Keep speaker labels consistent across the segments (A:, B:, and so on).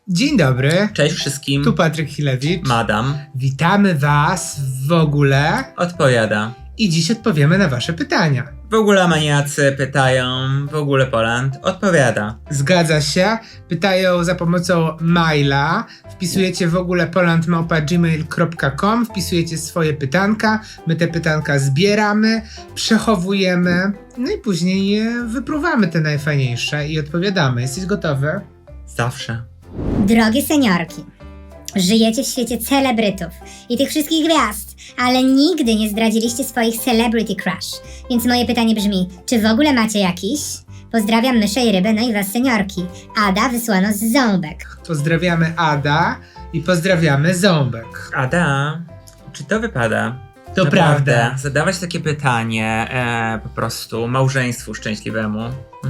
A: Dzień dobry,
B: Cześć wszystkim.
A: tu Patryk Chilewicz.
B: Madam
A: Witamy Was w ogóle
B: odpowiada.
A: i dziś odpowiemy na Wasze pytania.
B: W ogóle maniacy pytają, w ogóle Poland odpowiada.
A: Zgadza się, pytają za pomocą maila, wpisujecie w ogóle polandmałpa@gmail.com, wpisujecie swoje pytanka, my te pytanka zbieramy, przechowujemy, no i później wypruwamy te najfajniejsze i odpowiadamy. Jesteś gotowy?
B: Zawsze.
C: Drogie seniorki, żyjecie w świecie celebrytów i tych wszystkich gwiazd, ale nigdy nie zdradziliście swoich celebrity crush. Więc moje pytanie brzmi, czy w ogóle macie jakiś? Pozdrawiam myszę i rybę, no i was seniorki. Ada wysłano z Ząbek.
A: Pozdrawiamy Ada i pozdrawiamy Ząbek.
B: Ada, czy to wypada?
A: To
B: Naprawdę,
A: prawda.
B: zadawać takie pytanie po prostu małżeństwu szczęśliwemu.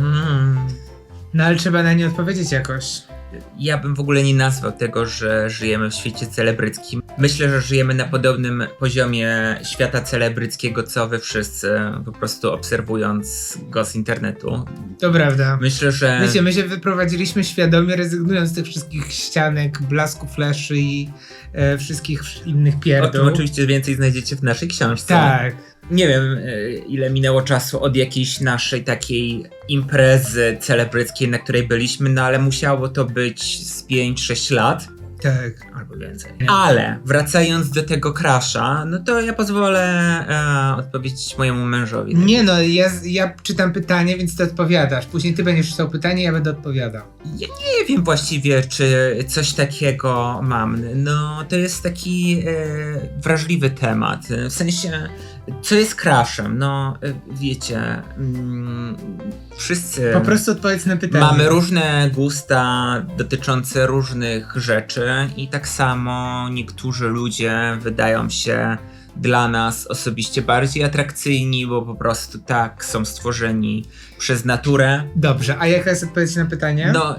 A: No ale trzeba na nie odpowiedzieć jakoś.
B: Ja bym w ogóle nie nazwał tego, że żyjemy w świecie celebryckim. Myślę, że żyjemy na podobnym poziomie świata celebryckiego, co wy wszyscy, po prostu obserwując go z internetu.
A: To prawda.
B: Myślę, że...
A: Wiecie, my się wyprowadziliśmy świadomie, rezygnując z tych wszystkich ścianek, blasku, fleszy i wszystkich innych
B: O tym
A: pierdół.
B: oczywiście więcej znajdziecie w naszej książce.
A: Tak.
B: Nie wiem, ile minęło czasu od jakiejś naszej takiej imprezy celebryckiej, na której byliśmy, no ale musiało to być z 5-6 lat.
A: Tak.
B: Albo więcej. Ale wracając do tego crasha, no to ja pozwolę odpowiedzieć mojemu mężowi.
A: Nie no, ja czytam pytanie, więc ty odpowiadasz. Później ty będziesz czytał pytanie, ja będę odpowiadał.
B: Ja nie wiem właściwie, czy coś takiego mam. No, to jest taki wrażliwy temat. W sensie, co jest crashem? No, wiecie, wszyscy
A: Po prostu odpowiedz na pytanie.
B: mamy różne gusta dotyczące różnych rzeczy i tak samo niektórzy ludzie wydają się dla nas osobiście bardziej atrakcyjni, bo po prostu tak są stworzeni przez naturę.
A: Dobrze, a jaka jest odpowiedź na pytanie?
B: No,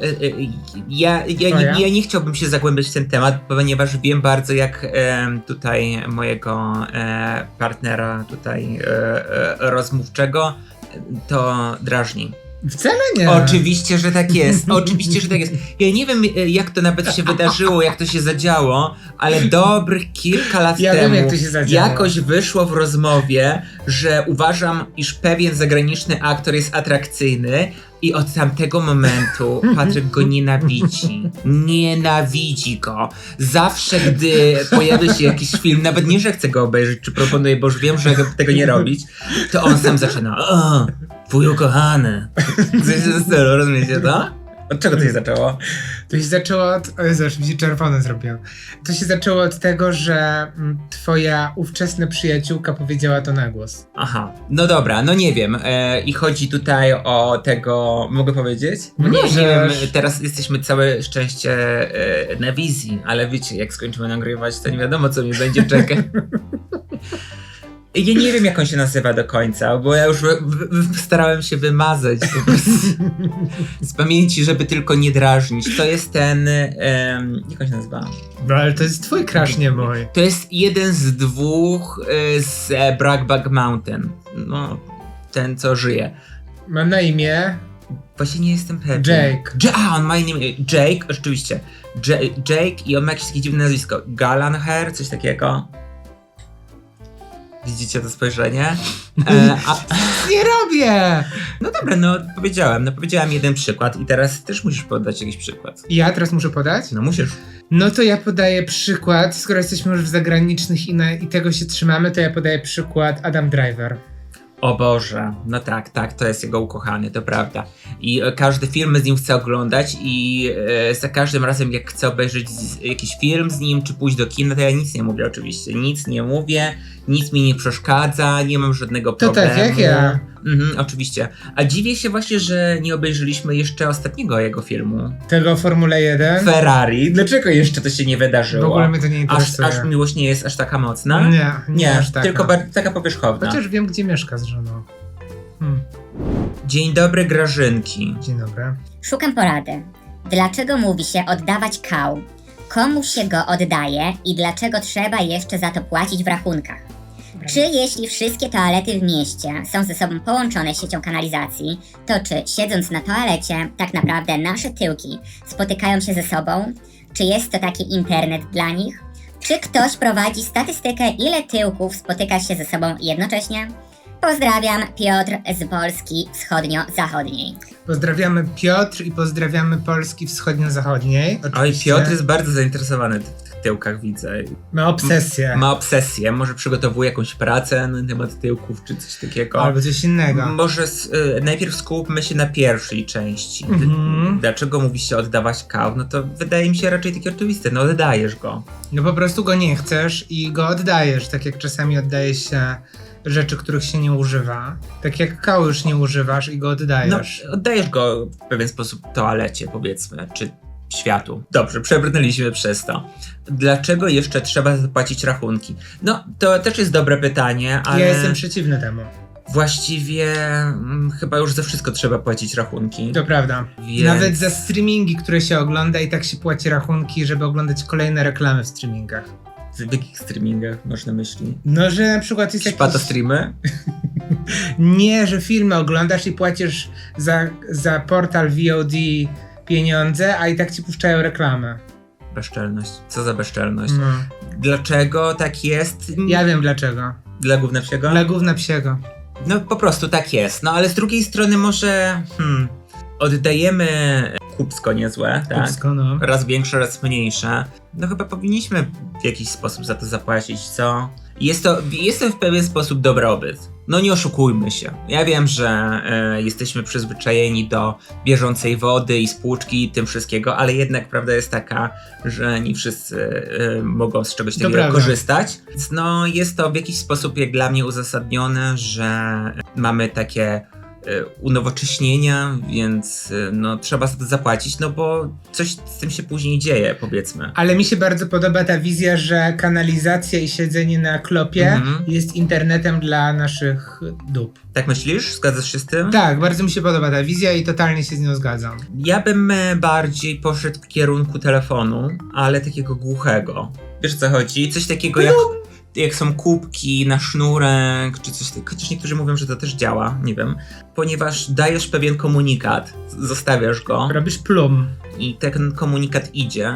B: ja nie chciałbym się zagłębiać w ten temat, ponieważ wiem bardzo, jak tutaj mojego partnera tutaj rozmówczego to drażni.
A: Wcale nie.
B: Oczywiście, że tak jest. Oczywiście, że tak jest. Ja nie wiem, jak to nawet się wydarzyło, jak to się zadziało, ale dobrych kilka lat
A: Ja
B: temu
A: wiem, jak to się zadziało.
B: jakoś wyszło w rozmowie, że uważam, iż pewien zagraniczny aktor jest atrakcyjny i od tamtego momentu Patryk go nienawidzi. Nienawidzi go. Zawsze, gdy pojawia się jakiś film, nawet nie, że chce go obejrzeć, czy proponuję, bo już wiem, że tego nie robić, to on sam zaczyna. O, twój ukochany. Coś w tym stylu, rozumiecie to? Od czego to się zaczęło?
A: To się zaczęło od... O Jezu, aż mi się czerwone zrobiłem. To się zaczęło od tego, że twoja ówczesna przyjaciółka powiedziała to na głos.
B: Aha, no dobra, no nie wiem. I chodzi tutaj o tego, mogę powiedzieć?
A: No
B: Nie
A: możesz.
B: wiem, teraz jesteśmy całe szczęście na wizji, ale wiecie, jak skończymy nagrywać, to nie wiadomo, co mnie będzie czekać. Ja nie wiem, jak on się nazywa do końca, bo ja już starałem się wymazać po prostu z pamięci, żeby tylko nie drażnić. To jest ten... jak on się nazywa?
A: No ale to jest twój crush, nie mój.
B: To jest jeden z dwóch z Brokeback Mountain. No, ten, co żyje.
A: Mam na imię
B: Właśnie nie jestem pewien.
A: Jake.
B: On ma imię Jake, oczywiście. Jake i on ma jakieś takie dziwne nazwisko. Gallagher, coś takiego. Widzicie to spojrzenie?
A: Nie robię!
B: No dobra, no powiedziałem jeden przykład i teraz też musisz podać jakiś przykład.
A: Ja teraz muszę podać?
B: No musisz.
A: No to ja podaję przykład, skoro jesteśmy już w zagranicznych i tego się trzymamy, to ja podaję przykład Adam Driver.
B: O Boże, no tak, to jest jego ukochany, to prawda. I każdy film z nim chcę oglądać i za każdym razem jak chcę obejrzeć jakiś film z nim, czy pójść do kina, to ja nic nie mówię oczywiście. Nic nie mówię, nic mi nie przeszkadza, nie mam żadnego
A: To
B: problemu.
A: tak jak ja.
B: Oczywiście. A dziwię się właśnie, że nie obejrzeliśmy jeszcze ostatniego jego filmu.
A: Tego Formule 1.
B: Ferrari. Dlaczego jeszcze to się nie wydarzyło?
A: W ogóle mnie to nie interesuje.
B: Aż miłość nie jest aż taka mocna?
A: Nie aż taka.
B: Tylko taka powierzchowna.
A: Chociaż wiem, gdzie mieszka z żoną.
B: Dzień dobry, Grażynki.
A: Dzień dobry.
C: Szukam porady. Dlaczego mówi się oddawać kał? Komu się go oddaje i dlaczego trzeba jeszcze za to płacić w rachunkach? Czy jeśli wszystkie toalety w mieście są ze sobą połączone siecią kanalizacji, to czy siedząc na toalecie tak naprawdę nasze tyłki spotykają się ze sobą?
D: Czy jest to taki internet dla nich? Czy ktoś prowadzi statystykę, ile tyłków spotyka się ze sobą jednocześnie? Pozdrawiam, Piotr z Polski wschodnio-zachodniej.
A: Pozdrawiamy Piotr i pozdrawiamy Polski wschodnio-zachodniej.
B: Oj,
A: Oczywiście.
B: Piotr jest bardzo zainteresowany w tych tyłkach, widzę.
A: Ma obsesję.
B: Ma obsesję, może przygotowuje jakąś pracę na temat tyłków czy coś takiego.
A: Albo coś innego.
B: Może najpierw skupmy się na pierwszej części. Dlaczego mówi się oddawać kał? No to wydaje mi się raczej takie oczywiste, no oddajesz go.
A: No po prostu go nie chcesz i go oddajesz, tak jak czasami oddaje się rzeczy, których się nie używa. Tak jak kału już nie używasz i go
B: No,
A: oddajesz.
B: oddajesz go w pewien sposób toalecie, powiedzmy, czy światu. Dobrze, przebrnęliśmy przez to. Dlaczego jeszcze trzeba zapłacić rachunki? No, to też jest dobre pytanie, ale
A: Ja jestem przeciwny temu.
B: właściwie chyba już za wszystko trzeba płacić rachunki.
A: To prawda.
B: Więc-
A: Nawet za streamingi, które się ogląda i tak się płaci rachunki, żeby oglądać kolejne reklamy w streamingach.
B: W jakich streamingach masz na myśli?
A: No, że na przykład jest
B: Szpato
A: jakiś...
B: streamy?
A: Nie, że filmy oglądasz i płacisz za portal VOD pieniądze, a i tak ci puszczają reklamę.
B: Bezczelność. Co za bezczelność?
A: No.
B: Dlaczego tak jest?
A: Ja wiem dlaczego.
B: Dla gówna psiego?
A: Dla gówna psiego.
B: No po prostu tak jest. No ale z drugiej strony może oddajemy kupsko niezłe, tak?
A: Kupsko, no.
B: Raz większe, raz mniejsze. No chyba powinniśmy w jakiś sposób za to zapłacić, co? Jest to w pewien sposób dobrobyt. No nie oszukujmy się. Ja wiem, że jesteśmy przyzwyczajeni do bieżącej wody i spłuczki i tym wszystkiego, ale jednak prawda jest taka, że nie wszyscy mogą z czegoś takiego
A: prawda.
B: korzystać. Więc no jest to w jakiś sposób jak dla mnie uzasadnione, że mamy takie unowocześnienia, więc no trzeba za to zapłacić, no bo coś z tym się później dzieje, powiedzmy.
A: Ale mi się bardzo podoba ta wizja, że kanalizacja i siedzenie na klopie jest internetem dla naszych dup.
B: Tak myślisz? Zgadzasz się z tym?
A: Tak, bardzo mi się podoba ta wizja i totalnie się z nią zgadzam.
B: Ja bym bardziej poszedł w kierunku telefonu, ale takiego głuchego. Wiesz o co chodzi? Coś takiego jak są kubki na sznurek, czy coś takiego. Chociaż niektórzy mówią, że to też działa, nie wiem. Ponieważ dajesz pewien komunikat, zostawiasz go
A: Robisz plum.
B: i ten komunikat idzie,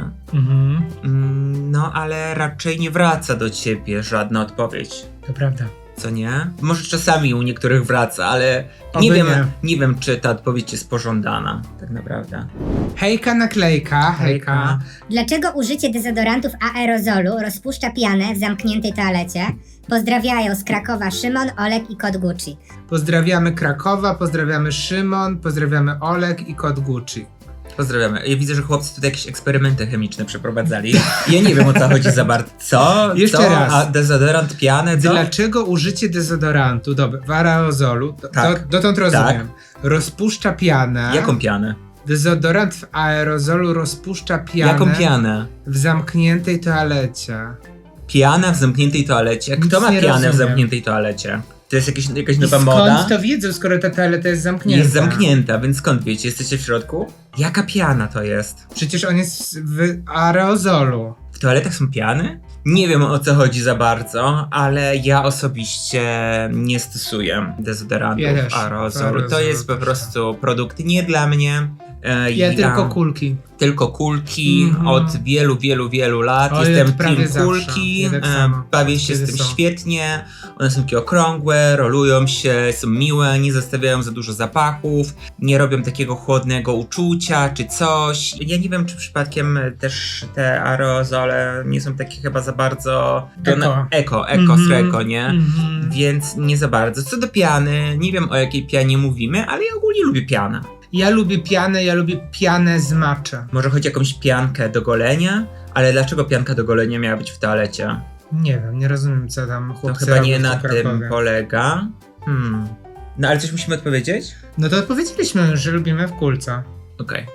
B: no ale raczej nie wraca do ciebie żadna odpowiedź.
A: To prawda.
B: Co nie? Może czasami u niektórych wraca, ale
A: Oby
B: nie wiem, czy ta odpowiedź jest pożądana, tak naprawdę.
A: Hejka naklejka, hejka.
C: Dlaczego użycie dezodorantów aerozolu rozpuszcza pianę w zamkniętej toalecie? Pozdrawiają z Krakowa Szymon, Olek i Kod Gucci.
A: Pozdrawiamy Krakowa, pozdrawiamy Szymon, pozdrawiamy Olek i Kod Gucci.
B: Pozdrawiamy. Ja widzę, że chłopcy tutaj jakieś eksperymenty chemiczne przeprowadzali. Ja nie wiem o co chodzi za bardzo. Co?
A: Jeszcze
B: co?
A: raz.
B: A dezodorant, pianę, co?
A: Dlaczego użycie dezodorantu, w aerozolu,
B: Tak.
A: dotąd rozumiem, rozpuszcza pianę?
B: Jaką pianę?
A: Dezodorant w aerozolu rozpuszcza pianę
B: Jaką pianę?
A: w zamkniętej toalecie.
B: Piana w zamkniętej toalecie? Kto
A: Nic
B: ma
A: nie
B: pianę w
A: rozumiem.
B: zamkniętej toalecie? To jest jakaś
A: I
B: nowa
A: skąd
B: moda?
A: to wiedzą, skoro ta toaleta jest zamknięta?
B: Jest zamknięta, więc skąd wiecie? Jesteście w środku? Jaka piana to jest?
A: Przecież on jest w aerozolu.
B: W toaletach są piany? Nie wiem o co chodzi za bardzo, ale ja osobiście nie stosuję dezodorantów
A: Ja też.
B: aerozolu. To
A: Aerozol
B: jest po
A: też.
B: prostu produkt nie dla mnie.
A: Ja tylko kulki.
B: Tylko kulki od wielu lat.
A: Oj,
B: Jestem
A: prawie
B: team
A: zawsze.
B: kulki,
A: Ja tak samo.
B: bawię się
A: Kiedy
B: z tym
A: są.
B: świetnie. One są takie okrągłe, rolują się, są miłe, nie zostawiają za dużo zapachów, nie robią takiego chłodnego uczucia czy coś. Ja nie wiem, czy przypadkiem też te aerozole nie są takie chyba za bardzo... Eko, sreko, nie? Więc nie za bardzo. Co do piany, nie wiem o jakiej pianie mówimy, ale ja ogólnie lubię pianę.
A: Ja lubię pianę z matcha.
B: Może chodzi o jakąś piankę do golenia? Ale dlaczego pianka do golenia miała być w toalecie?
A: Nie wiem, nie rozumiem co tam
B: To
A: chłopcy
B: chyba
A: robią
B: nie
A: w
B: na
A: tym
B: tym
A: Krakowie.
B: polega. No ale coś musimy odpowiedzieć?
A: No to odpowiedzieliśmy, że lubimy w kulce.
B: Okej.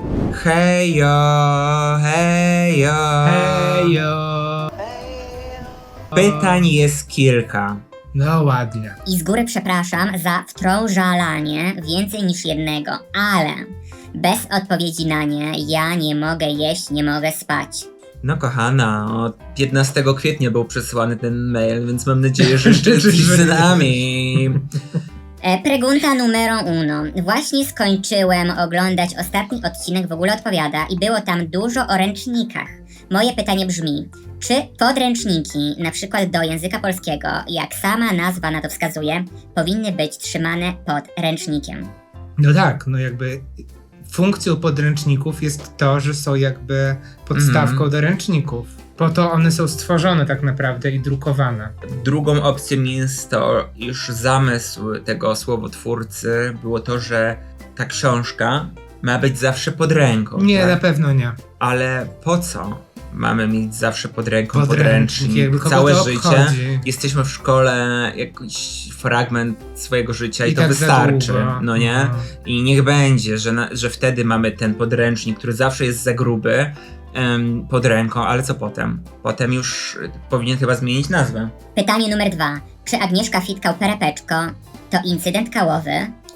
B: Hejo, hejo.
A: Hejo.
B: Pytań jest kilka.
A: No ładnie.
D: I z góry przepraszam za wtrążalanie więcej niż jednego, ale bez odpowiedzi na nie ja nie mogę jeść, nie mogę spać.
B: No kochana, od 15 kwietnia był przesłany ten mail, więc mam nadzieję, że jeszcze jesteś z nami.
D: Pregunta numero uno. Właśnie skończyłem oglądać ostatni odcinek W ogóle odpowiada i było tam dużo o ręcznikach. Moje pytanie brzmi, czy podręczniki, na przykład do języka polskiego, jak sama nazwa na to wskazuje, powinny być trzymane pod ręcznikiem?
A: No tak, no jakby funkcją podręczników jest to, że są jakby podstawką do ręczników. Po to one są stworzone tak naprawdę i drukowane.
B: Drugą opcją jest to, iż zamysł tego słowotwórcy było to, że ta książka ma być zawsze pod ręką.
A: Nie,
B: tak?
A: na pewno nie.
B: Ale po co mamy mieć zawsze pod ręką
A: Podręcznik, jakby
B: podręcznik?
A: kogo
B: Całe
A: to
B: życie.
A: obchodzi?
B: Jesteśmy w szkole, jakiś fragment swojego życia i to
A: tak za
B: wystarczy,
A: długo.
B: no nie?
A: No.
B: I niech będzie, że wtedy mamy ten podręcznik, który zawsze jest za gruby, pod ręką, ale co potem? Potem już powinien chyba zmienić nazwę.
D: Pytanie numer 2. Czy Agnieszka Fitkał-Perepeczko to incydent kałowy?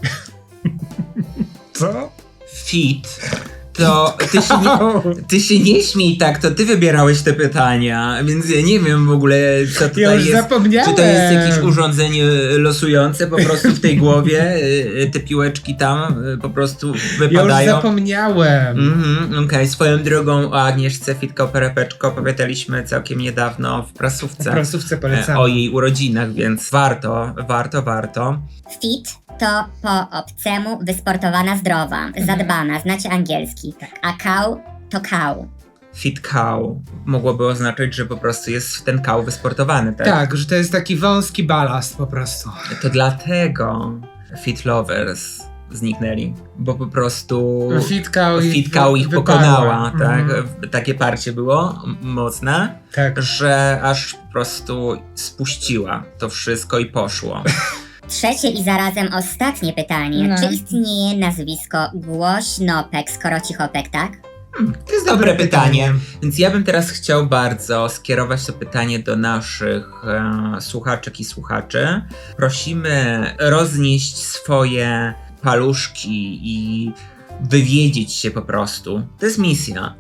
A: Co?
B: Fit. To ty się nie śmiej tak, to ty wybierałeś te pytania, więc ja nie wiem w ogóle, co tutaj
A: Ja już
B: jest.
A: zapomniałem.
B: Czy to jest jakieś urządzenie losujące po prostu w tej głowie? Te piłeczki tam po prostu
A: Ja już
B: wypadają.
A: zapomniałem.
B: Okej. Swoją drogą o Agnieszce Fitkał-Perepeczko opowiadaliśmy całkiem niedawno w
A: W
B: prasówce
A: prasówce polecam.
B: o jej urodzinach, więc warto.
D: Fit to po obcemu wysportowana, zdrowa, zadbana, znacie angielski. A kał to kał.
B: Fit cow mogłoby oznaczać, że po prostu jest ten kał wysportowany, tak?
A: Tak, że to jest taki wąski balast po prostu.
B: To dlatego Fit Lovers zniknęli, bo po prostu Fitkał ich pokonała, tak? Takie parcie było mocne,
A: Tak.
B: że aż po prostu spuściła to wszystko i poszło.
D: Trzecie i zarazem ostatnie pytanie.
C: No.
D: Czy istnieje nazwisko Głośnopek, skoro cichopek, tak?
B: To jest dobre pytanie. Więc ja bym teraz chciał bardzo skierować to pytanie do naszych słuchaczek i słuchaczy. Prosimy roznieść swoje paluszki i wywiedzieć się po prostu. To jest misja.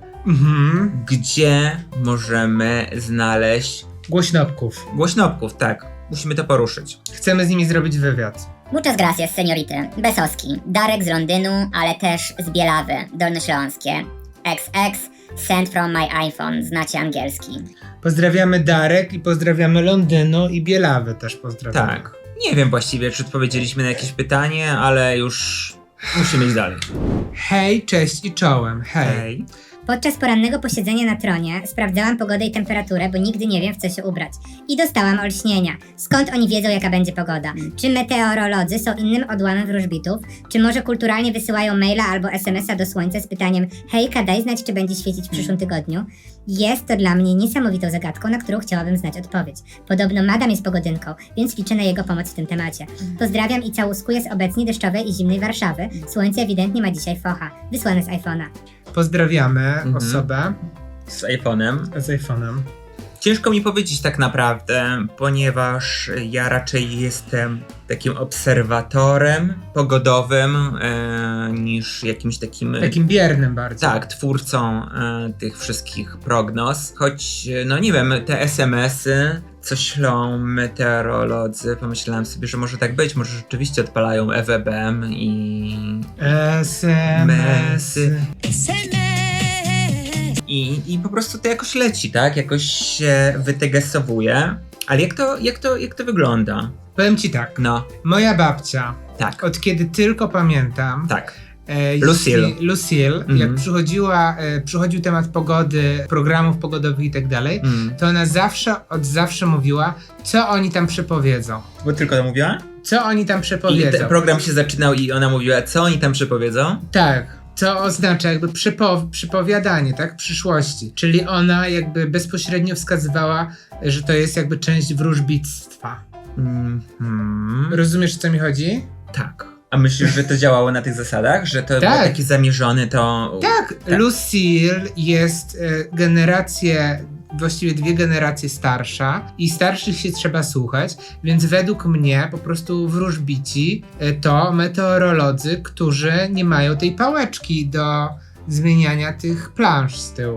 B: Gdzie możemy znaleźć
A: Głośnopków.
B: tak. Musimy to poruszyć.
A: Chcemy z nimi zrobić wywiad.
D: Muchas gracias, seniority. Besowski. Darek z Londynu, ale też z Bielawy, Dolnośląskie. XX, sent from my iPhone, znacie angielski.
A: Pozdrawiamy Darek i pozdrawiamy Londynu i Bielawy też pozdrawiamy.
B: Tak. Nie wiem właściwie, czy odpowiedzieliśmy na jakieś pytanie, ale już musimy iść dalej.
A: Hej, cześć i czołem. Hej.
B: Hej.
C: Podczas porannego posiedzenia na tronie sprawdzałam pogodę i temperaturę, bo nigdy nie wiem, w co się ubrać. I dostałam olśnienia. Skąd oni wiedzą, jaka będzie pogoda? Czy meteorolodzy są innym odłamem wróżbitów? Czy może kulturalnie wysyłają maila albo SMS-a do słońca z pytaniem hejka, daj znać, czy będzie świecić w przyszłym tygodniu? Jest to dla mnie niesamowitą zagadką, na którą chciałabym znać odpowiedź. Podobno Madam jest pogodynką, więc liczę na jego pomoc w tym temacie. Pozdrawiam i całuskuję z obecnie deszczowej i zimnej Warszawy. Słońce ewidentnie ma dzisiaj focha. Wysłane z iPhone'a.
A: Pozdrawiamy osobę
B: Z iPhone'em.
A: z iPhone'em.
B: Ciężko mi powiedzieć tak naprawdę, ponieważ ja raczej jestem takim obserwatorem pogodowym niż jakimś takim...
A: Takim biernym bardzo.
B: Tak, twórcą tych wszystkich prognoz. Choć, no nie wiem, te SMS-y, co ślą meteorolodzy, pomyślałem sobie, że może tak być, może rzeczywiście odpalają EWBM i...
A: SMS-y.
B: I po prostu to jakoś leci, tak? Jakoś się wytegesowuje. Ale jak to wygląda?
A: Powiem ci tak.
B: No,
A: Moja babcia,
B: tak,
A: od kiedy tylko pamiętam,
B: tak.
A: Lucille, jak przychodził temat pogody, programów pogodowych i tak dalej, to ona od zawsze mówiła, co oni tam przepowiedzą.
B: Bo tylko to mówiła?
A: Co oni tam
B: I
A: przepowiedzą.
B: ten program się zaczynał i ona mówiła, co oni tam przepowiedzą?
A: Tak. Co oznacza jakby przypowiadanie, tak? Przyszłości. Czyli ona jakby bezpośrednio wskazywała, że to jest jakby część wróżbictwa. Rozumiesz, o co mi chodzi?
B: Tak. A myślisz, że to działało na tych zasadach? Że to
A: Tak.
B: było takie zamierzone, to...
A: Tak, Lucille jest właściwie 2 generacje starsza i starszych się trzeba słuchać, więc według mnie po prostu wróżbici to meteorolodzy, którzy nie mają tej pałeczki do zmieniania tych plansz z tyłu.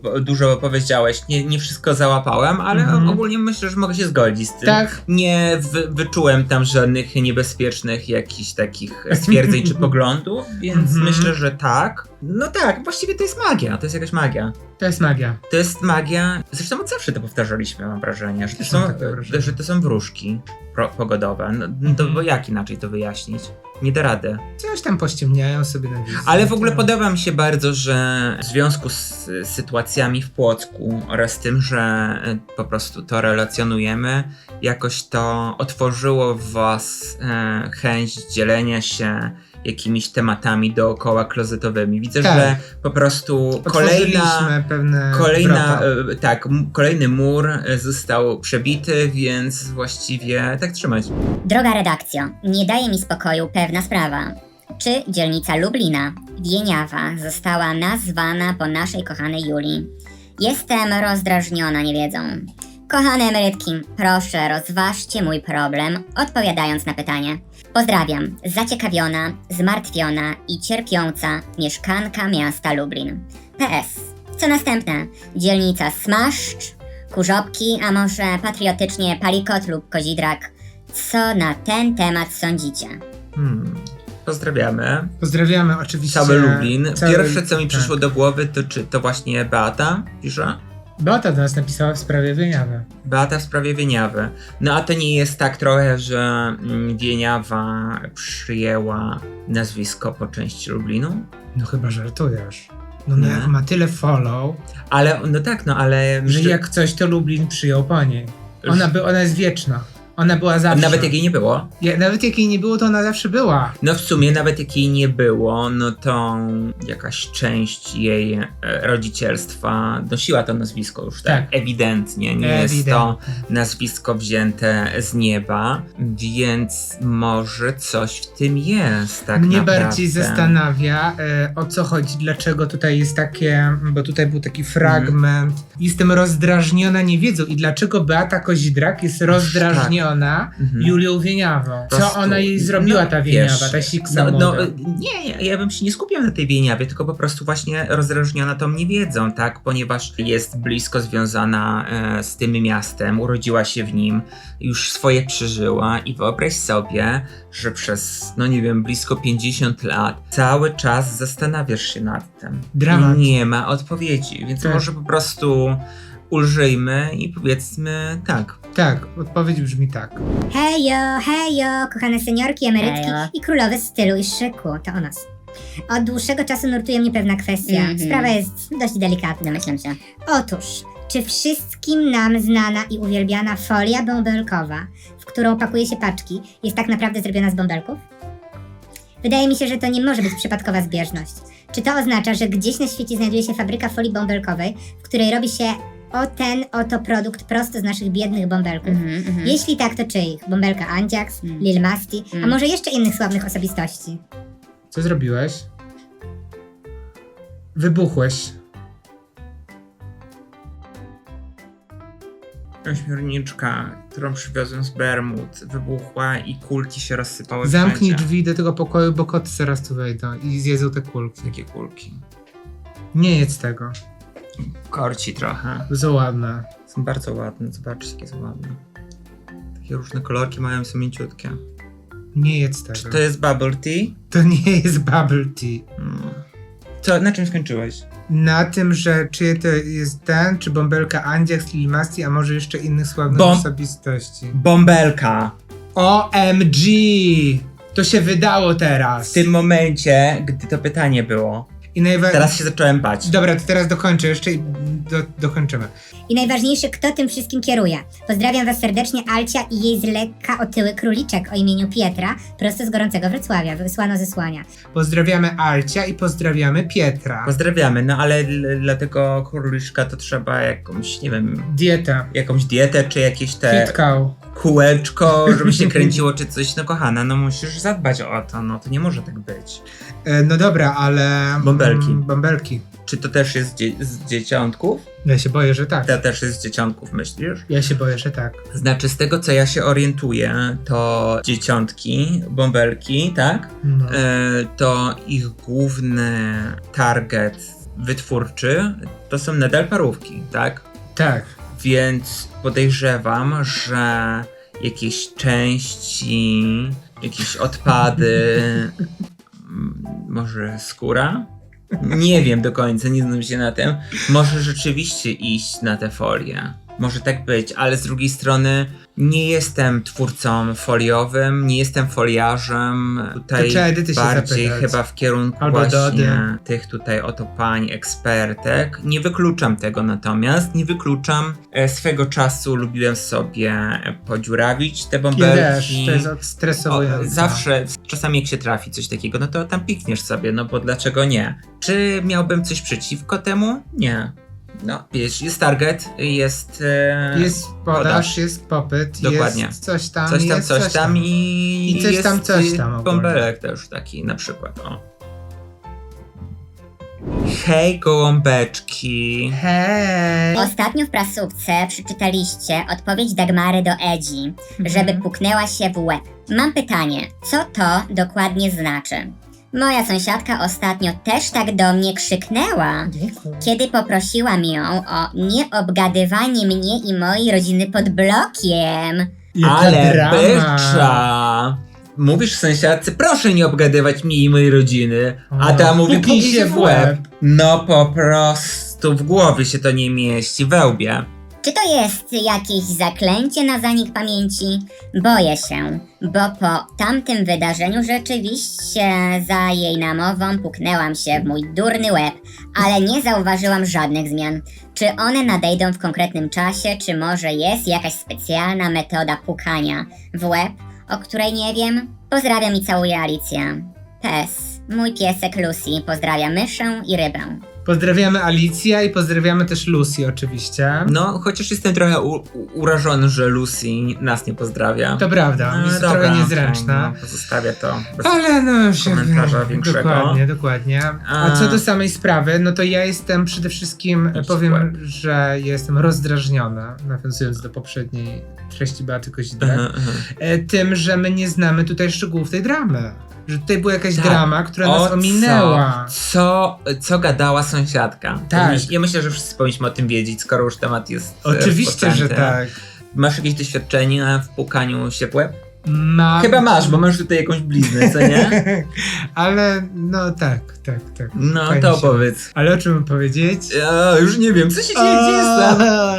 B: dużo powiedziałeś. Nie wszystko załapałem, ale ogólnie myślę, że mogę się zgodzić z tym.
A: Tak.
B: Nie wyczułem tam żadnych niebezpiecznych jakichś takich stwierdzeń czy poglądów, więc myślę, że tak. No tak, właściwie to jest magia, to jest jakaś magia.
A: To jest magia.
B: To jest magia, zresztą od zawsze to powtarzaliśmy, mam wrażenie, że to są wróżki pogodowe. No to bo jak inaczej to wyjaśnić? Nie da rady.
A: Coś tam pościemniają sobie na wizji.
B: Ale w ogóle podoba mi się bardzo, że w związku z sytuacjami w Płocku oraz tym, że po prostu to relacjonujemy, jakoś to otworzyło w was chęć dzielenia się jakimiś tematami dookoła klozetowymi. Widzę,
A: Tak.
B: że po prostu
A: Otworzyliśmy pewne wrota.
B: kolejny mur został przebity, więc właściwie tak trzymać.
D: Droga redakcjo, nie daje mi spokoju pewna sprawa. Czy dzielnica Lublina, Wieniawa, została nazwana po naszej kochanej Julii? Jestem rozdrażniona niewiedzą. Kochane emerytki, proszę rozważcie mój problem, odpowiadając na pytanie. Pozdrawiam, zaciekawiona, zmartwiona i cierpiąca mieszkanka miasta Lublin. PS. Co następne? Dzielnica Smaszcz, Kurzopki, a może patriotycznie Palikot lub Kozidrak? Co na ten temat sądzicie?
B: Pozdrawiamy.
A: Pozdrawiamy oczywiście.
B: Cały Lublin. Pierwsze, co mi
A: tak.
B: przyszło do głowy, to czy to właśnie Beata pisze?
A: Beata do nas napisała w sprawie Wieniawy.
B: Beata w sprawie Wieniawy. No a to nie jest tak trochę, że Wieniawa przyjęła nazwisko po części Lublinu?
A: No chyba żartujesz. No
B: Nie.
A: jak ma tyle follow,
B: Ale, no tak, no ale...
A: że jak coś to Lublin przyjął po niej. Ona jest wieczna. Ona była zawsze.
B: Nawet jak jej nie było?
A: Nawet jak jej nie było, to ona zawsze była.
B: No w sumie nawet jak jej nie było, no to jakaś część jej rodzicielstwa nosiła to nazwisko już tak, ewidentnie. Nie jest to nazwisko wzięte z nieba, więc może coś w tym jest tak
A: Mnie
B: naprawdę.
A: bardziej zastanawia, o co chodzi, dlaczego tutaj jest takie, bo tutaj był taki fragment. Jestem rozdrażniona niewiedzą i dlaczego Beata Kozidrak jest rozdrażniona Julią Wieniawą. Co
B: prostu,
A: ona jej zrobiła, ta Wieniawa,
B: wiesz,
A: ta siksa młoda?
B: Nie, ja bym się nie skupiał na tej Wieniawie, tylko po prostu właśnie rozdrażniona tą niewiedzą, tak? Ponieważ jest blisko związana z tym miastem, urodziła się w nim, już swoje przeżyła i wyobraź sobie, że przez, no nie wiem, blisko 50 lat cały czas zastanawiasz się nad tym.
A: Dramat.
B: I nie ma odpowiedzi, więc
A: Tak.
B: może po prostu ulżyjmy i powiedzmy tak.
A: Tak, odpowiedź brzmi tak.
C: Hejo, kochane seniorki, emerytki
D: Hejo.
C: i królowe stylu i szyku, to o nas. Od dłuższego czasu nurtuje mnie pewna kwestia. Sprawa jest dość delikatna.
D: Domyślam się.
C: Otóż, czy wszystkim nam znana i uwielbiana folia bąbelkowa, w którą pakuje się paczki, jest tak naprawdę zrobiona z bąbelków? Wydaje mi się, że to nie może być przypadkowa zbieżność. Czy to oznacza, że gdzieś na świecie znajduje się fabryka folii bąbelkowej, w której robi się ten oto produkt prosto z naszych biednych bąbelków? Jeśli tak, to czyich? Bąbelka Andziax, Lil Masti, a może jeszcze innych sławnych osobistości?
A: Co zrobiłeś? Wybuchłeś.
B: Ośmiorniczka, którą przywiozłem z Bermud, wybuchła i kulki się rozsypały
A: Zamknij
B: wszędzie.
A: drzwi do tego pokoju, bo koty zaraz tu wejdą i zjedzą te kulki.
B: Jakie kulki?
A: Nie jedz tego.
B: Korci trochę.
A: Za ładne.
B: Są bardzo ładne, zobaczcie jakie są ładne. Takie różne kolorki mają, są mięciutkie.
A: Nie jedz tego.
B: Czy to jest bubble tea?
A: To nie jest bubble tea.
B: Co, na czym skończyłeś?
A: Na tym, że czy to jest ten, czy bąbelka Andziax, Lil Masti, a może jeszcze innych sławnych osobistości.
B: Bąbelka!
A: OMG! To się wydało teraz.
B: W tym momencie, gdy to pytanie było.
A: I
B: Teraz się zacząłem bać.
A: Dobra, to teraz dokończę jeszcze i dokończymy.
C: I najważniejsze, kto tym wszystkim kieruje. Pozdrawiam was serdecznie, Alcia i jej z lekka otyły króliczek o imieniu Pietra, prosto z gorącego Wrocławia, wysłano ze Słania.
A: Pozdrawiamy Alcia i pozdrawiamy Pietra.
B: Pozdrawiamy, no ale dla tego króliczka to trzeba jakąś, nie wiem,
A: Dieta.
B: jakąś dietę, czy jakieś te
A: Fitkał.
B: kółeczko, żeby się kręciło, czy coś. No kochana, no musisz zadbać o to, no to nie może tak być.
A: No dobra, ale...
B: Bąbelki.
A: Bąbelki.
B: Czy to też jest z dzieciątków?
A: Ja się boję, że tak.
B: To też jest z dzieciątków, myślisz?
A: Ja się boję, że tak.
B: Znaczy, z tego co ja się orientuję, to dzieciątki, bąbelki, tak?
A: No.
B: To ich główny target wytwórczy, to są nadal parówki, tak?
A: Tak.
B: Więc podejrzewam, że jakieś części, jakieś odpady, może skóra? Nie wiem do końca, nie znam się na tym. Może rzeczywiście iść na te folie. Może tak być, ale z drugiej strony nie jestem twórcą foliowym, nie jestem foliarzem. Tutaj
A: To trzeba Edyty się
B: bardziej
A: zapytać.
B: chyba w kierunku
A: Albo
B: właśnie
A: Dody.
B: tych tutaj oto pań ekspertek. Nie wykluczam tego natomiast, nie wykluczam. Swego czasu lubiłem sobie podziurawić te
A: Ja
B: bąbelki.
A: też, to jest odstresowujące.
B: Zawsze, czasami jak się trafi coś takiego, no to tam pikniesz sobie, no bo dlaczego nie? Czy miałbym coś przeciwko temu? Nie. No, wiesz, jest target, jest...
A: Jest podaż, jest popyt,
B: Dokładnie.
A: jest coś tam,
B: coś tam,
A: jest
B: coś tam i
A: coś
B: jest
A: tam, coś tam ogólnie.
B: bąbelek też taki na przykład, o. Hej gołąbeczki.
A: Hej!
D: Ostatnio w prasówce przeczytaliście odpowiedź Dagmary do Edzi, żeby puknęła się w łeb. Mam pytanie, co to dokładnie znaczy? Moja sąsiadka ostatnio też tak do mnie krzyknęła, kiedy poprosiłam ją o nieobgadywanie mnie i mojej rodziny pod blokiem.
A: Jaka
B: Ale
A: drama.
B: bycza! Mówisz sąsiadce, proszę nie obgadywać mnie i mojej rodziny, a ta mówi,
A: Puknij
B: puknij się w łeb. No po prostu w głowie się to nie mieści, we łbie.
D: Czy to jest jakieś zaklęcie na zanik pamięci? Boję się, bo po tamtym wydarzeniu rzeczywiście za jej namową puknęłam się w mój durny łeb, ale nie zauważyłam żadnych zmian. Czy one nadejdą w konkretnym czasie, czy może jest jakaś specjalna metoda pukania w łeb, o której nie wiem? Pozdrawiam i całuję, Alicja. Pes, mój piesek Lucy pozdrawia myszę i rybę.
A: Pozdrawiamy Alicja i pozdrawiamy też Lucy oczywiście.
B: No, chociaż jestem trochę urażony, że Lucy nas nie pozdrawia.
A: To prawda, jest to
B: dobra,
A: trochę niezręczne.
B: no, pozostawię to bez
A: Ale no się
B: komentarza większego.
A: Dokładnie. A co do samej sprawy, no to ja jestem przede wszystkim,
B: Idź w
A: powiem,
B: łeb.
A: że ja jestem rozdrażniona, nawiązując do poprzedniej treści Beaty Kozidrak, tym, że my nie znamy tutaj szczegółów tej dramy. Że tutaj była jakaś
B: Tak.
A: drama, która nas ominęła.
B: Co gadała sąsiadka?
A: Tak.
B: Ja myślę, że wszyscy powinniśmy o tym wiedzieć, skoro już temat jest
A: Oczywiście, że
B: rozpoczęty.
A: tak.
B: Masz jakieś doświadczenie w pukaniu się w łeb?
A: Mam...
B: Chyba masz, bo masz tutaj jakąś bliznę, co nie?
A: Ale no tak.
B: No
A: Fajnie
B: to
A: się-
B: opowiedz.
A: Ale o czym mam powiedzieć?
B: Już nie wiem, co się dzieje, gdzie jestem?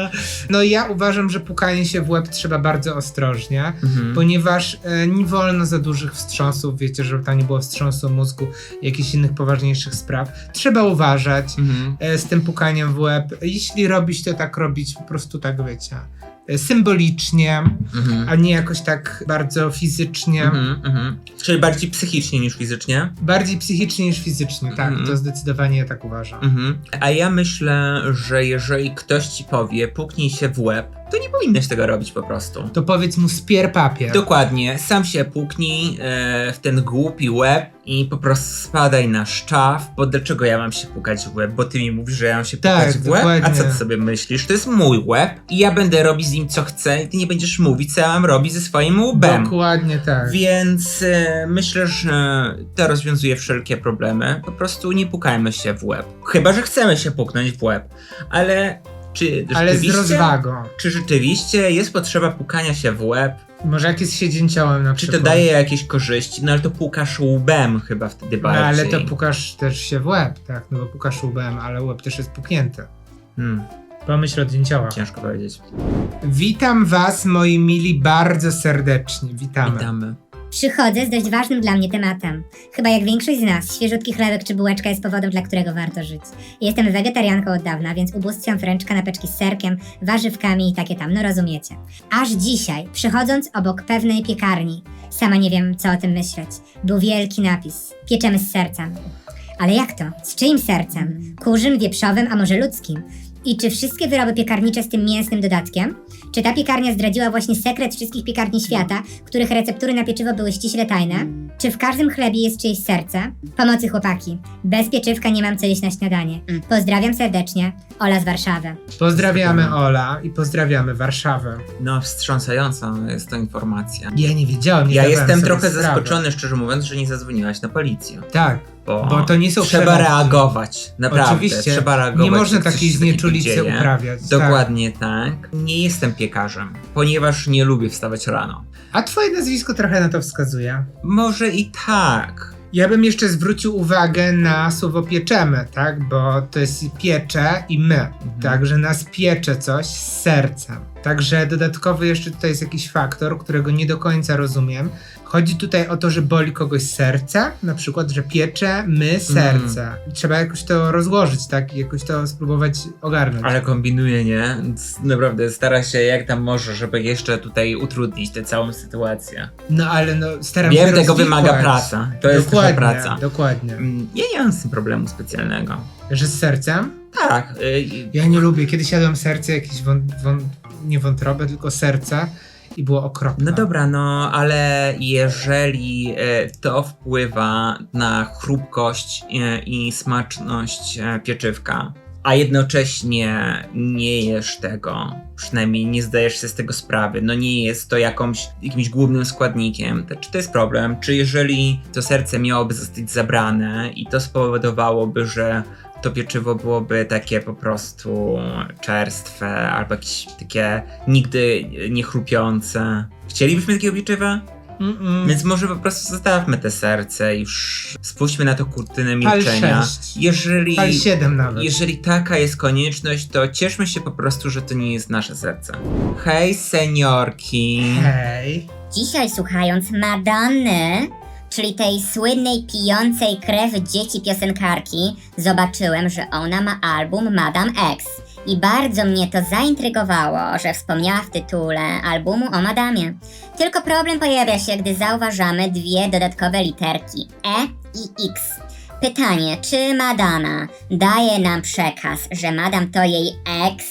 A: No ja uważam, że pukanie się w łeb trzeba bardzo ostrożnie,
B: Mhm.
A: ponieważ nie wolno za dużych wstrząsów, wiecie, żeby tam nie było wstrząsu mózgu i jakichś innych poważniejszych spraw. Trzeba uważać z tym pukaniem w łeb. Jeśli robić, to tak robić po prostu tak, wiecie, symbolicznie, a nie jakoś tak bardzo fizycznie.
B: Czyli bardziej psychicznie niż fizycznie?
A: Bardziej psychicznie niż fizycznie, tak, to zdecydowanie ja tak uważam.
B: A ja myślę, że jeżeli ktoś ci powie, puknij się w łeb, to nie powinieneś tego robić po prostu.
A: To powiedz mu spier papier.
B: Dokładnie, sam się puknij w ten głupi łeb i po prostu spadaj na szczaw, bo dlaczego ja mam się pukać w łeb? Bo ty mi mówisz, że ja mam się
A: Tak,
B: pukać w łeb? A
A: dokładnie.
B: co ty sobie myślisz? To jest mój łeb i ja będę robić z nim co chcę i ty nie będziesz mówić, co ja mam robić ze swoim łbem.
A: Dokładnie tak.
B: Więc myślę, że to rozwiązuje wszelkie problemy. Po prostu nie pukajmy się w łeb. Chyba że chcemy się puknąć w łeb. Ale czy
A: Ale z
B: rzeczywiście...
A: rozwagą.
B: Czy rzeczywiście jest potrzeba pukania się w łeb?
A: Może jak jest siedzięciołem na
B: Czy
A: przykład.
B: to daje jakieś korzyści? No ale to pukasz łbem chyba wtedy
A: No
B: bardziej.
A: ale to pukasz też się w łeb, tak? No bo pukasz łbem, ale łeb też jest puknięty. Pomyśl od dzięcioła.
B: Ciężko powiedzieć.
A: Witam was, moi mili, bardzo serdecznie. Witamy.
B: Witamy.
C: Przychodzę z dość ważnym dla mnie tematem. Chyba jak większość z nas, świeżutki chlebek czy bułeczka jest powodem, dla którego warto żyć. Jestem wegetarianką od dawna, więc ubóstwiam wręcz kanapeczki z serkiem, warzywkami i takie tam, no rozumiecie. Aż dzisiaj, przechodząc obok pewnej piekarni, sama nie wiem co o tym myśleć, był wielki napis: pieczemy z sercem. Ale jak to? Z czyim sercem? Kurzym, wieprzowym, a może ludzkim? I czy wszystkie wyroby piekarnicze z tym mięsnym dodatkiem? Czy ta piekarnia zdradziła właśnie sekret wszystkich piekarni świata, których receptury na pieczywo były ściśle tajne? Czy w każdym chlebie jest czyjeś serce? Pomocy chłopaki. Bez pieczywka nie mam co jeść na śniadanie. Pozdrawiam serdecznie. Ola z Warszawy.
A: Pozdrawiamy Ola i pozdrawiamy Warszawę.
B: No, wstrząsająca jest to informacja.
A: Ja nie wiedziałem, nie
B: Ja
A: zdawałem
B: jestem
A: sobie
B: trochę
A: sprawy.
B: zaskoczony, szczerze mówiąc, że nie zadzwoniłaś na policję.
A: Tak, bo to nie są
B: trzeba
A: przelotki.
B: reagować, naprawdę.
A: Oczywiście,
B: Trzeba reagować.
A: nie można
B: jak coś
A: takiej
B: się takiego
A: znieczulicy
B: dzieje.
A: uprawiać.
B: Dokładnie tak. Nie jestem piekarzem, ponieważ nie lubię wstawać rano.
A: A twoje nazwisko trochę na to wskazuje.
B: Może i tak.
A: Ja bym jeszcze zwrócił uwagę na słowo pieczemy, tak? Bo to jest piecze i my. Tak, że nas piecze coś z sercem. Także dodatkowy jeszcze tutaj jest jakiś faktor, którego nie do końca rozumiem. Chodzi tutaj o to, że boli kogoś serce, na przykład, że piecze my serce. Trzeba jakoś to rozłożyć, tak? I jakoś to spróbować ogarnąć.
B: Ale kombinuje, nie? Naprawdę stara się jak tam może, żeby jeszcze tutaj utrudnić tę całą sytuację.
A: No ale no staram się
B: Wiem, tego
A: rozwikłać.
B: wymaga praca. To jest nasza
A: Dokładnie,
B: praca.
A: dokładnie.
B: Ja nie mam z tym problemu specjalnego.
A: Że z sercem?
B: Tak.
A: Ja nie lubię. Kiedyś jadłem serce, jakieś nie wątrobę, tylko serce i było okropne.
B: No dobra, no ale jeżeli to wpływa na chrupkość i smaczność pieczywka, a jednocześnie nie jesz tego, przynajmniej nie zdajesz sobie z tego sprawy, no nie jest to jakimś głównym składnikiem, to czy to jest problem? Czy jeżeli to serce miałoby zostać zabrane i to spowodowałoby, że to pieczywo byłoby takie po prostu czerstwe albo jakieś takie nigdy nie chrupiące? Chcielibyśmy takiego pieczywa? Więc może po prostu zostawmy te serce i już spuśćmy na to kurtynę milczenia.
A: Pal 6.
B: Jeżeli,
A: Pal 7 nawet.
B: jeżeli taka jest konieczność, to cieszmy się po prostu, że to nie jest nasze serce. Hej, seniorki.
A: Hej.
D: Dzisiaj słuchając Madonny, czyli tej słynnej pijącej krew dzieci piosenkarki, zobaczyłem, że ona ma album Madame X. I bardzo mnie to zaintrygowało, że wspomniała w tytule albumu o Madamie. Tylko problem pojawia się, gdy zauważamy dwie dodatkowe literki E i X. Pytanie, czy Madonna daje nam przekaz, że Madame to jej ex?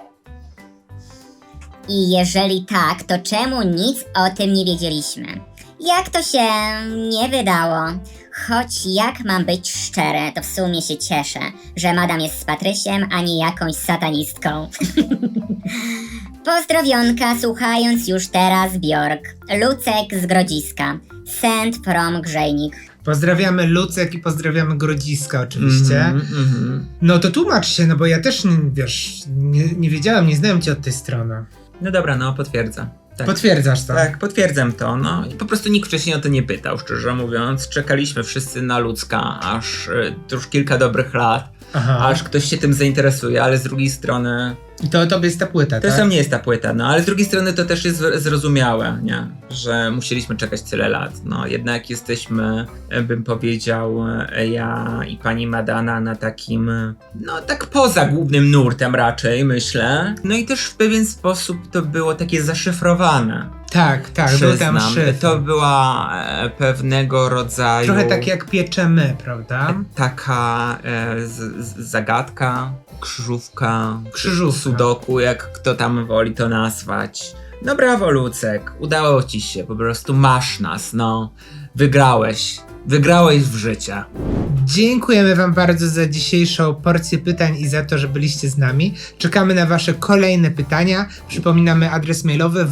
D: I jeżeli tak, to czemu nic o tym nie wiedzieliśmy? Jak to się nie wydało? Choć jak mam być szczere, to w sumie się cieszę, że Madame jest z Patrysiem, a nie jakąś satanistką. Pozdrowionka, słuchając już teraz Bjork. Lucek z Grodziska. Send from Grzejnik.
A: Pozdrawiamy Lucek i pozdrawiamy Grodziska oczywiście. No to tłumacz się, no bo ja też, nie wiedziałem, nie znałem cię od tej strony.
B: No dobra, no potwierdzam. Tak.
A: Potwierdzasz to?
B: Tak, potwierdzam to, no. I po prostu nikt wcześniej o to nie pytał, szczerze mówiąc. Czekaliśmy wszyscy na Lucka, aż to już kilka dobrych lat,
A: Aha.
B: aż ktoś się tym zainteresuje, ale z drugiej strony
A: I to tobie jest ta płyta,
B: to
A: tak?
B: sam nie jest ta płyta, no ale z drugiej strony to też jest zrozumiałe, nie? Że musieliśmy czekać tyle lat. No jednak jesteśmy, bym powiedział, ja i pani Madonna na takim, no tak poza głównym nurtem raczej, myślę. No i też w pewien sposób to było takie zaszyfrowane.
A: Tak, był tam szyfr.
B: To była pewnego rodzaju...
A: Trochę tak jak pieczemy, prawda?
B: Taka zagadka, krzyżówka,
A: Krzyżówka.
B: sudoku, jak kto tam woli to nazwać. No brawo, Lucek, udało ci się, po prostu masz nas, no. Wygrałeś w życie.
A: Dziękujemy wam bardzo za dzisiejszą porcję pytań i za to, że byliście z nami. Czekamy na wasze kolejne pytania. Przypominamy adres mailowy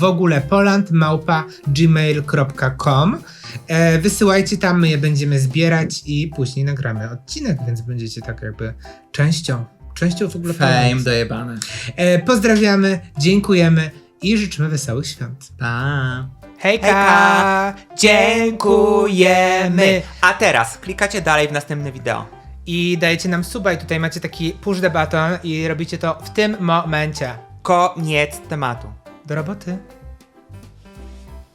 A: wogulepoland@gmail.com. Wysyłajcie tam, my je będziemy zbierać i później nagramy odcinek, więc będziecie tak jakby częścią w ogóle
B: Fame dojebany.
A: Pozdrawiamy, dziękujemy i życzymy wesołych świąt.
B: Pa.
E: Hejka! Dziękujemy! A teraz klikacie dalej w następne wideo.
A: I dajecie nam suba i tutaj macie taki push the button i robicie to w tym momencie.
E: Koniec tematu.
A: Do roboty.